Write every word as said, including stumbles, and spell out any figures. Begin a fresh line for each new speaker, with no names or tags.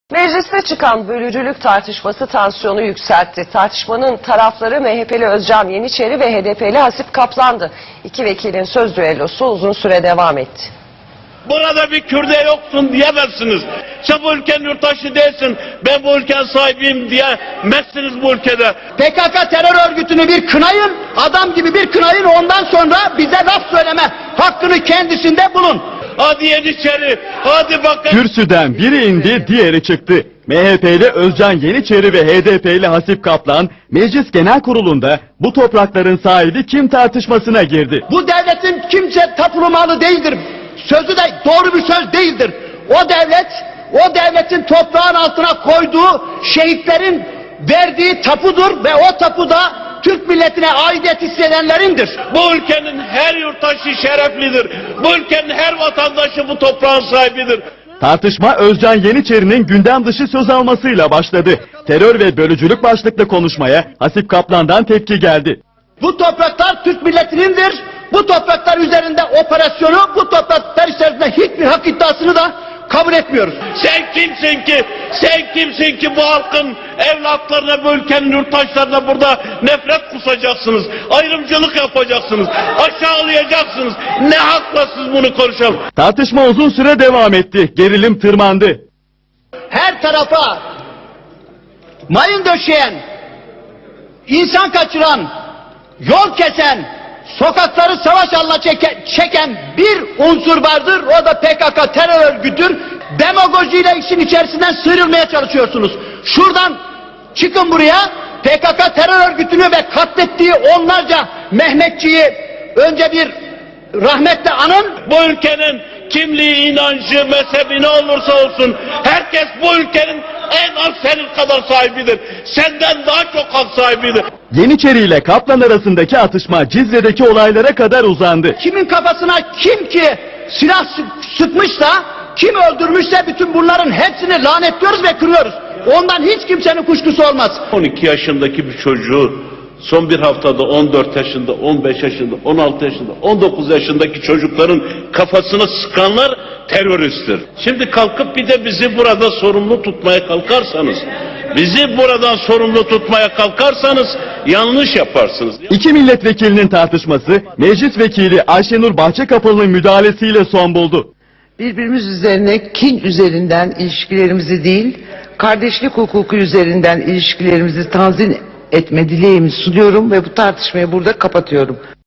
Mecliste çıkan bölücülük tartışması tansiyonu yükseltti. Tartışmanın tarafları M H P'li Özcan Yeniçeri ve H D P'li Hasip Kaplan'dı. İki vekilin söz düellosu uzun süre devam etti.
Burada bir Kürde yoksun diyemezsiniz. Sen bu ülkenin yurttaşı değilsin, ben bu ülkenin sahibiyim diyemezsiniz bu ülkede.
P K K terör örgütünü bir kınayın, adam gibi bir kınayın, ondan sonra bize laf söyleme hakkını kendisinde bulun.
Hadi Yeniçeri, hadi bakın.
Kürsüden biri indi, diğeri çıktı. M H P'li Özcan Yeniçeri ve H D P'li Hasip Kaplan, Meclis Genel Kurulu'nda bu toprakların sahibi kim tartışmasına girdi.
Bu devletin kimse tapulu malı değildir. Sözü de doğru bir söz değildir. O devlet, o devletin toprağın altına koyduğu şehitlerin verdiği tapudur ve o tapu da Türk milletine aidiyet hissedenlerindir.
Bu ülkenin her yurttaşı şereflidir. Bu ülkenin her vatandaşı bu toprağın sahibidir.
Tartışma Özcan Yeniçeri'nin gündem dışı söz almasıyla başladı. Terör ve bölücülük başlıklı konuşmaya Hasip Kaplan'dan tepki geldi.
Bu topraklar Türk milletinindir. Bu topraklar üzerinde operasyonu, bu topraklar içerisinde hiçbir hak iddiasını da kabul etmiyoruz.
Sen kimsin ki, sen kimsin ki bu halkın evlatlarına, bu ülkenin yurttaşlarına burada nefret kusacaksınız, ayrımcılık yapacaksınız, aşağılayacaksınız. Ne hakla siz bunu konuşalım?
Tartışma uzun süre devam etti. Gerilim tırmandı.
Her tarafa mayın döşeyen, insan kaçıran, yol kesen, sokakları savaş alanına çeken, çeken bir unsur vardır. O da P K K terör örgütüdür. Demagojiyle işin içerisinden sıyrılmaya çalışıyorsunuz. Şuradan çıkın buraya. P K K terör örgütünü ve katlettiği onlarca Mehmetçiyi önce bir rahmetle anın.
Bu ülkenin kimliği, inancı, mezhebi ne olursa olsun herkes bu ülkenin en az senin kadar sahibidir. Senden daha çok hak sahibidir.
Yeniçeri ile Kaplan arasındaki atışma Cizre'deki olaylara kadar uzandı.
Kimin kafasına kim ki silah sı- sıkmışsa, kim öldürmüşse bütün bunların hepsini lanetliyoruz ve kırıyoruz. Ondan hiç kimsenin kuşkusu olmaz.
on iki yaşındaki bir çocuğu son bir haftada on dört yaşında, on beş yaşında, on altı yaşında, on dokuz yaşındaki çocukların kafasına sıkanlar teröristtir. Şimdi kalkıp bir de bizi burada sorumlu tutmaya kalkarsanız, bizi buradan sorumlu tutmaya kalkarsanız yanlış yaparsınız.
İki milletvekilinin tartışması Meclis Vekili Ayşenur Bahçekapılı'nın müdahalesiyle son buldu.
Birbirimiz üzerine kin üzerinden ilişkilerimizi değil, kardeşlik hukuku üzerinden ilişkilerimizi tanzim etme dileğimi sunuyorum ve bu tartışmayı burada kapatıyorum.